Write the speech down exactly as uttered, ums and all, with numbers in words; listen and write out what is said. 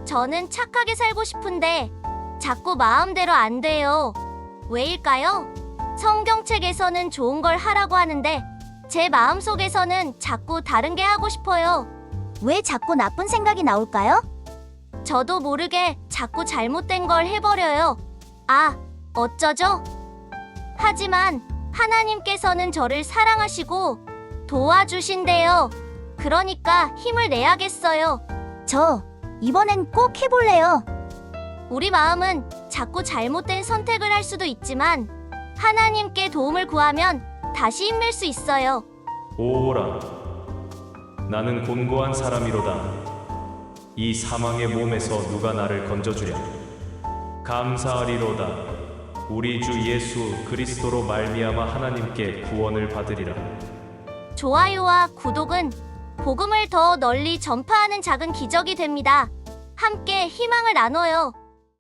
저는 착하게 살고 싶은데 자꾸 마음대로 안 돼요. 왜일까요? 성경책에서는 좋은 걸 하라고 하는데 제 마음속에서는 자꾸 다른 게 하고 싶어요. 왜 자꾸 나쁜 생각이 나올까요? 저도 모르게 자꾸 잘못된 걸 해버려요. 아, 어쩌죠? 하지만 하나님께서는 저를 사랑하시고 도와주신대요. 그러니까 힘을 내야겠어요. 저 이번엔 꼭 해볼래요. 우리 마음은 자꾸 잘못된 선택을 할 수도 있지만 하나님께 도움을 구하면 다시 힘낼 수 있어요. 오라, 나는 곤고한 사람이로다. 이 사망의 몸에서 누가 나를 건져주랴. 감사하리로다. 우리 주 예수 그리스도로 말미암아 하나님께 구원을 받으리라. 좋아요와 구독은 복음을 더 널리 전파하는 작은 기적이 됩니다. 함께 희망을 나눠요.